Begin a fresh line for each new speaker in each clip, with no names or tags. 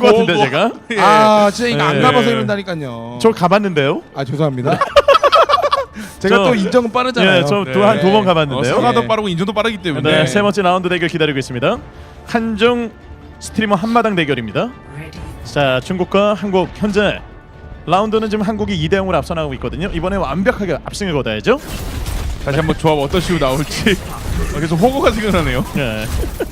것 같은데 제가.
예.
아 진짜 이거 안
예.
가봐서 이런다니까요.
저 가봤는데요.
아 죄송합니다. 제가
저-
또 인정은 빠르잖아요.
예, 저
네.
또 한 두 번 가봤는데요.
사과도
네.
빠르고 인정도 빠르기 때문에.
네, 세 번째 라운드 대결 기다리고 있습니다. 한중 스트리머 한마당 대결입니다. 자, 중국과 한국 현재 라운드는 지금 한국이 2대 0으로 앞서 나가고 있거든요. 이번에 완벽하게 압승을 거둬야죠.
다시 한번 조합 어떤 식으로 나올지 계속 호구가 생각나네요.
네.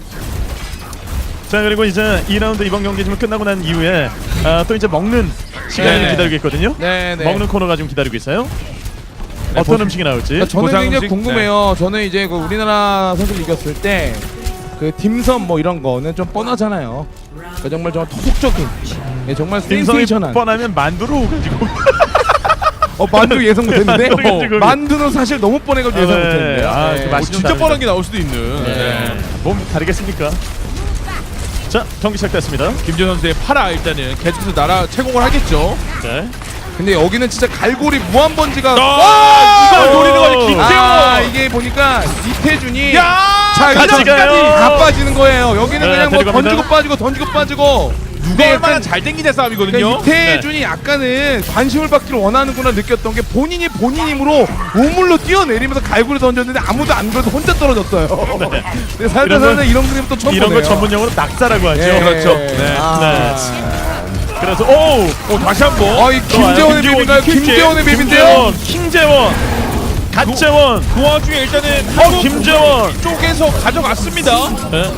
자, 그리고 이제 2라운드 이번 경기 좀 끝나고 난 이후에 또 이제 먹는 시간이
네네.
기다리고 있거든요.
네네.
먹는 코너가 지금 기다리고 있어요. 어떤 음식이 나올지.
그러니까 저는
보상
굉장히
음식?
궁금해요. 저는 이제 그 우리나라 선수를 이겼을 때 그 딤섬 뭐 이런 거는 좀 뻔하잖아요. 그러니까 정말 토속적인, 예, 정말
딤섬이
센세이션한.
뻔하면 만두로 가지고.
만두 예상 못했는데
만두 가지고.
만두는 사실 너무 뻔해가지고 예상
네.
못했는데.
아, 그 맛이
진짜 뻔한 게 나올 수도 있는.
네. 몸 다르겠습니까? 자, 경기 시작됐습니다.
김지현 선수의 파라 일단은 계속해서 나라 채공을 하겠죠.
네.
근데 여기는 진짜 갈고리 무한 번지가.
이걸 노리는 거지 김지현.
아 이게 보니까 이태준이
야!
자
같이
여기까지
가요.
다 빠지는 거예요. 여기는
네,
그냥 뭐
데리고 갑니다.
던지고 빠지고.
누가 얼마나 잘 땡기는 싸움이거든요.
그러니까 이태준이 약간은 관심을 받기를 원하는구나 느꼈던 게 본인이 본인 힘으로 우물로 뛰어내리면서 갈고리 던졌는데 아무도 안 그래도 혼자 떨어졌어요. 근데 살다
이런
살다 이런 그림 또 처음
이런
보네요.
걸 전문 용어로 낙사라고 하죠.
예.
그렇죠. 네.
아.
그래서 오,
다시 한번.
이 김재원의 맵인가요? 김재원의 맵인데요?
킹재원, 갓재원.
그 와중에 일단은
김재원.
쪽에서 가져갔습니다.
네.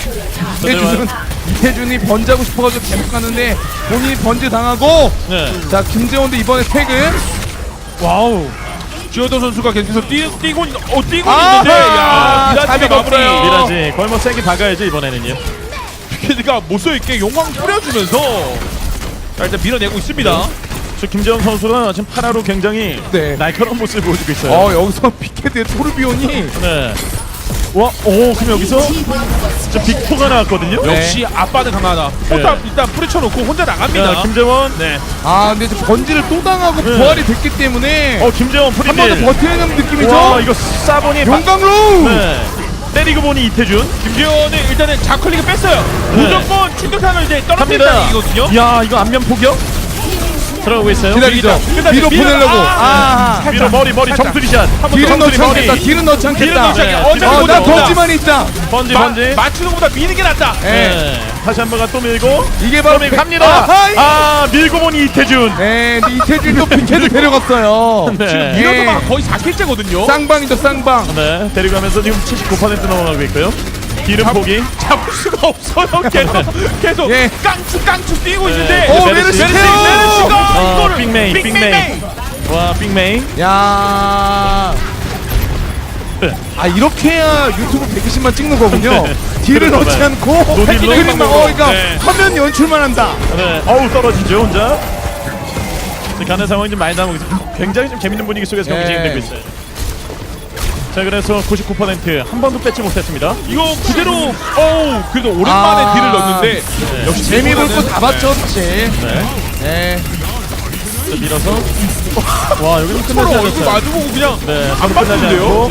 이태준이 번지하고 싶어가지고 계속 가는데 본인이 번지 당하고.
네.
자 김재원도 이번에 태그.
와우.
주효도 선수가 계속해서 뛰고 있는데
아하!
미라지가
잡이
마무리해요.
미라지 거의 뭐 세게 박아야죠 이번에는요.
피케드가 못써있게 용광 뿌려주면서 자, 일단 밀어내고 있습니다.
저 김재원 선수가 지금 파라로 굉장히
네.
날카로운 모습을 보여주고 있어요.
여기서 피케드의 토르비온이.
네. 와, 그럼 여기서 진짜 빅포가 나왔거든요.
네.
역시 아빠는 강하다.
네.
일단 뿌리쳐놓고 혼자 나갑니다.
자, 김재원.
네.
근데 이제 번지를 또 당하고
네.
부활이 됐기 때문에
김재원
한 번 더
프리딜.
버텨내는 느낌이죠.
와, 이거 싸보니
용광로.
네. 때리고 보니 이태준.
김지현은 일단은 자클릭을 뺐어요.
네.
무조건 충격탄을 이제
갑니다.
떨어뜨린다는 얘기거든요.
야, 이거 안면 포격 들어가고 있어요.
기다리죠.
끝나죠.
뒤로 보내려고.
살짝.
위로 머리
살짝.
정수리샷.
딜은 넣지
머리.
않겠다. 딜은 넣지 않겠다.
딜은 넣지 않겠다.
네.
어차피
나
못
번지만 있다.
번지.
맞추는 것보다 미는 게 낫다.
예.
네. 다시 한 번가 또 밀고.
이게 바로
또 밀고 갑니다. 밀고 보니 이태준.
네, 이태준도 피케드 데려갔어요.
네.
이러다가 거의 4킬째거든요.
쌍방이죠, 쌍방.
네. 데리고 가면서 지금 79% 넘어가고 있고요. 기름 포기.
잡을 수가 없어요. 계속
예.
깡충 뛰고 있는데.
메르시
메르시가 이거를
빅메인. 와, 빅메인.
야.
네.
이렇게 해야 유튜브 120만 찍는 거군요. 딜을
그런가
넣지
봐요.
않고
노딜로
그림만 그러니까
네.
화면 연출만 한다.
네. 떨어지죠 혼자. 가는 상황이 좀 많이 나오고 있어요. 굉장히 좀 재밌는 분위기 속에서 경기
네.
진행되고 있어요. 자, 그래서 99% 한 번도 뺏지 못했습니다.
이거 그대로 그래도 오랜만에 딜을 넣었는데
역시 재미 볼 거 다 봤죠, 사실.
네.
네.
자, 밀어서. 와, 여기는
서로
끝나지
얼굴
않았어요.
마주보고 그냥
네,
안
끝나지
봤는데요.
않고.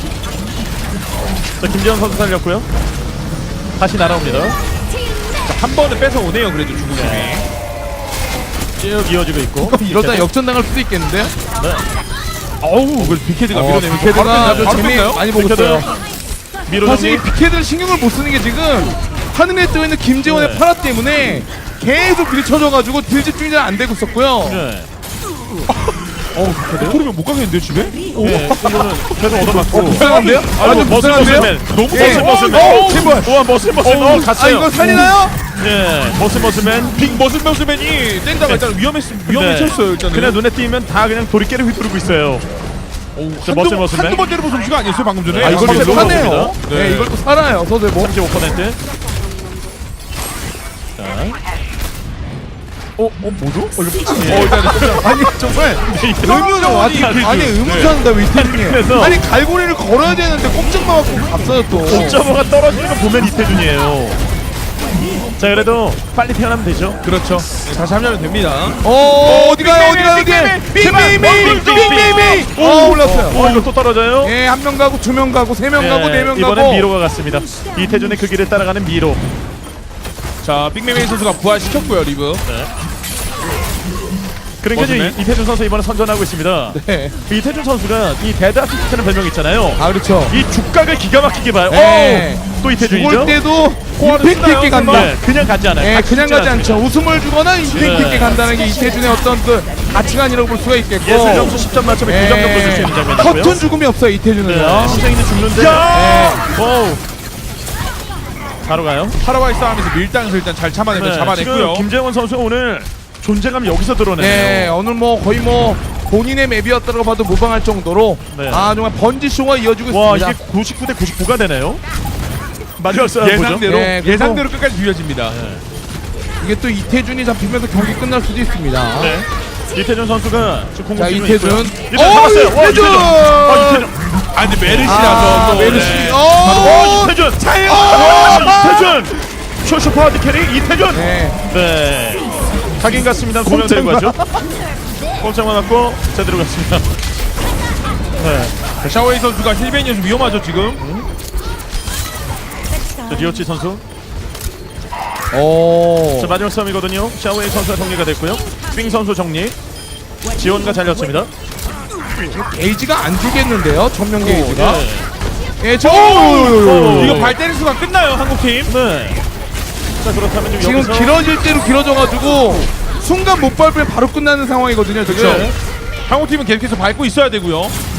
자, 김지현 선수 살렸고요. 다시 날아옵니다.
한 번은 뺏어 오네요. 그래도 중국이.
쭉 이어지고 있고.
이러다 역전당할 수도 있겠는데.
그래서 빅헤드가 밀어내면서
피케드가
바로
재미
뺐나요?
많이 보고
빅헤드.
있어요.
미로
사실 이
정리.
피케드를 신경을 못 쓰는 게 지금 하늘에 떠 있는 김재원의
네.
파라 때문에 계속 밀쳐져가지고 딜 집중이 잘 안 되고 있었고요.
네.
그러면 못 가겠는데 집에?
네, 이거는 계속 얻어맞고.
불쌍한데요? 아주 불쌍한데요?
너무
예.
머슬머슬맨.
제발.
우와, 머슬머슬맨. 갔어요.
이거 살리나요?
예, 머슬머슬맨.
빅 머슬맨이 땡다가 일단 위험했었어요. 일단은.
그냥 눈에 띄면 다 그냥 도리깨를 휘두르고 있어요. 자, 머슬머슬맨.
한두 번 때려본 솜씨가 아니었어요 방금 전에.
이걸
이걸
또
이걸로
사네요.
먹습니다.
네, 이걸 또 살아요, 서대모.
35%. 자. 뭐죠?
아니 정말 의문은 아니 의문사는다 왜 이태준이?
그래서-
아니 갈고리를 걸어야 되는데 꼼짝만 갖고 갔어요 또.
옥저버가 떨어지는 거 보면 이태준이에요. 자, 그래도 빨리 태어나면 되죠.
그렇죠. 다시 하면 됩니다.
어디가요? 빅메이. 올랐어요.
이거 또 떨어져요.
예, 한 명 가고 두 명 가고 세 명 가고 네 명 가고.
이번엔 미로가 갔습니다. 이태준의 그 길을 따라가는 미로.
자 빅매메이 선수가 부활시켰고요 리브.
네. 그러니까 이제
멋있네.
이태준 선수 이번에 선전하고 있습니다.
네.
그 이태준 선수가 이 데드 아티스트라는 별명이 있잖아요.
아 그렇죠.
이 죽각을 기가 막히게 봐요.
네.
또 이태준이죠.
죽을 때도
포화를
임팩트 있게
쓰나요,
간다.
네, 그냥 가지 않아요.
예,
각
그냥
죽지
가지
않습니다.
않죠. 웃음을 주거나 임팩트
네.
있게 간다는 게 이태준의 어떤 그 가치관이라고 볼 수가 있겠고.
예술 점수 10점 만점에 9점 정도 줄 수 있는 장면이고요.
허튼 죽음이 없어요 이태준은요.
네, 시장이는 죽는데. 오우. 바로 가요.
파라와이 싸움에서 밀당에서 일단 잘 참아내면
지금
잡아냈고요.
김재원 선수 오늘 존재감 여기서 드러내네요.
네, 오늘 뭐 거의 뭐 본인의 맵이었다고 봐도 무방할 정도로
네.
아 정말 번지 쇼가 이어지고
와,
있습니다.
이게 99대 99가 되네요. 마지막 싸움 보죠.
예상대로
네, 그리고-
예상대로 끝까지 비벼집니다.
이게 또 이태준이 잡히면서 경기 끝날 수도 있습니다.
네. 이태준 선수가 지금
자
공격
이태준.
이태준 잡았어요. 와,
이태준.
이태준.
아 근데 메르시라서
아,
또
메르시.
네.
이태준.
차요.
이태준. 쇼쇼 파워드 캐리 이태준.
네.
네. 각인 같습니다. 두명 데리고 가죠. 꼼짝만 맞고 제대로 갔습니다. 네.
샤오웨이 선수가 힐벤이어서 위험하죠 지금.
자, 리오치 선수.
오.
자, 마지막 싸움이거든요. 샤오웨이 선수가 정리가 됐고요. 빙 선수 정리. 지원과 잘렸습니다.
게이지가 안 주겠는데요. 전면 게이지가.
네.
예, 저.
이거 발 때릴 수가 끝나요 한국팀.
네. 자, 그렇다면
지금
여기서
길어질 대로 길어져가지고 순간 못 밟으면 바로 끝나는 상황이거든요. 지금.
네.
한국팀은 계속해서 밟고 있어야 되고요.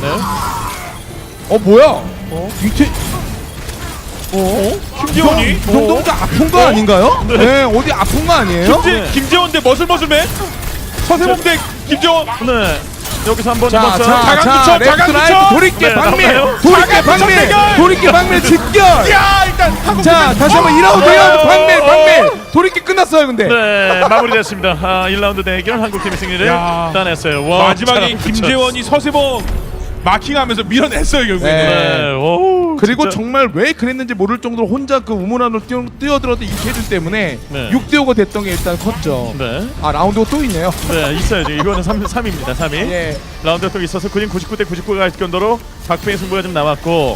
네.
뭐야? 이태.
김재원이
이 정도면 좀 아픈 거 아닌가요? 네. 어디 아픈 거 아니에요?
네.
김재원 대 머슬머슬맨 서세범 대 김재원.
네. 여기서 한번
자,
해봤어요.
자강구청,
레프트 라이트
자강구청!
돌이켜
네,
방밀,
나와요.
돌이켜
자강구청
방밀,
대결!
돌이켜 방밀 집결.
야 일단 한국팀.
자, 다시 한번 2라운드, 2라운드 방밀. 돌이켜 끝났어요, 근데.
네, 마무리됐습니다. 1라운드 대결 한국팀이 승리를
야.
따냈어요. 와,
마지막에
진짜.
김재원이 서세범 마킹하면서 밀어냈어요 결국에는.
네.
네, 오,
그리고
진짜.
정말 왜 그랬는지 모를 정도로 혼자 그 우물 안으로 뛰어들었던 이태준 때문에
네.
6대5가 됐던 게 일단 컸죠.
네,
아, 라운드가 또 있네요.
네, 있어요. 지금 이거는 3입니다. 3위.
예.
라운드가 또 있어서 그림 99대 99가 할 정도로 박빙의 승부가 좀 남았고,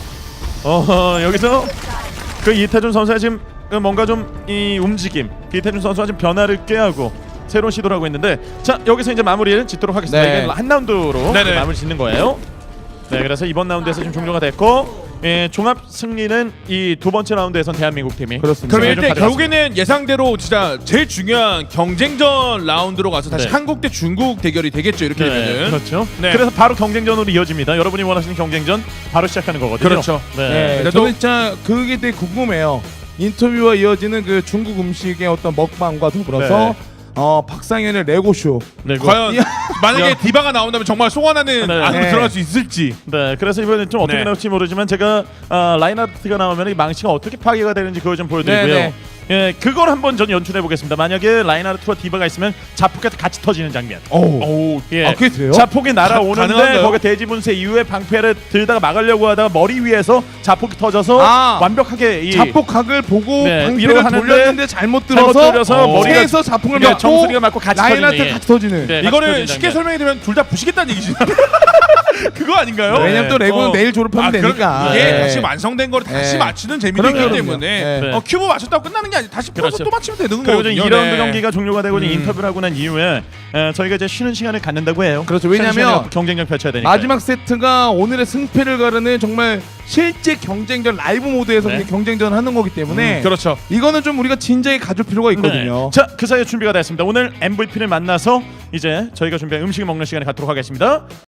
여기서 그 이태준 선수가 지금 그 뭔가 좀 이 움직임, 이태준 선수가 좀 변화를 꾀하고 새로운 시도를 하고 있는데, 자 여기서 이제 마무리를 짓도록 하겠습니다.
네.
이게 한 라운드로
네네.
마무리 짓는 거예요. 네, 그래서 이번 라운드에서 지금 종료가 됐고, 종합 승리는 이 두 번째 라운드에선 대한민국 팀이.
그렇습니다.
그럼
좀
일단
가져갔습니다.
결국에는 예상대로 진짜 제일 중요한 경쟁전 라운드로 가서 다시
네.
한국 대 중국 대결이 되겠죠 이렇게
네,
되면은.
그렇죠.
네.
그래서 바로 경쟁전으로 이어집니다. 여러분이 원하시는 경쟁전 바로 시작하는 거거든요.
그렇죠.
네.
네,
그래도-
저는 진짜 그게 되게 궁금해요. 인터뷰와 이어지는 그 중국 음식의 어떤 먹방과 더불어서 박상현의 레고쇼.
네, 그거-
과연
야.
만약에
야.
디바가 나온다면 정말 송환하는
네.
안으로
네.
들어갈 수 있을지.
네, 그래서 이번에 좀 어떻게
네.
나올지 모르지만 제가 라인아트가 나오면 이 망치가 어떻게 파괴가 되는지 그걸 좀 보여드리고요.
네, 네.
예, 그걸 한번 전 연출해 보겠습니다. 만약에 라인아트와 디바가 있으면 자폭이 같이 터지는 장면.
오.
예,
아, 그게 돼요?
자폭이 날아오는데
가능한가요?
거기 대지 분쇄 이후에 방패를 들다가 막으려고 하다가 머리 위에서 자폭이 터져서
아.
완벽하게 이
자폭각을 보고
네,
방패를
위로 하는데
돌렸는데 잘못
잘못
들어서
들어서 머리가-
세에서 자폭을
네,
맞고
정수리가 맞고 같이
라인한테
터지는, 예.
같이 터지는.
네, 같이
이거를
터지는
쉽게
장면.
설명해 드리면 둘 다 부시겠다는 얘기지. 그거 아닌가요?
네.
왜냐면 또 레고는
어.
내일 졸업하면
그럼
되니까.
이게
네.
다시 완성된 거를 다시
네.
맞추는 재미도 있기
그럼요,
때문에
그럼요.
네.
큐브 맞췄다고 끝나는 게 아니라 다시 풀어서
그렇죠.
또 맞추면 되는
그리고
거거든요.
이제 2라운드
네.
경기가 종료가 되고 이제 인터뷰를 하고 난 이후에 저희가 이제 쉬는 시간을 갖는다고 해요.
그렇죠.
쉬는
왜냐면
시간에 경쟁력 펼쳐야 되니까.
마지막 세트가 오늘의 승패를 가르는 정말 실제 경쟁전 라이브 모드에서
네.
그냥 경쟁전을 하는 거기 때문에
그렇죠.
이거는 좀 우리가 진지하게 가질 필요가 있거든요.
네. 자, 그 사이에 준비가 됐습니다. 오늘 MVP를 만나서 이제 저희가 준비한 음식을 먹는 시간을 갖도록 하겠습니다.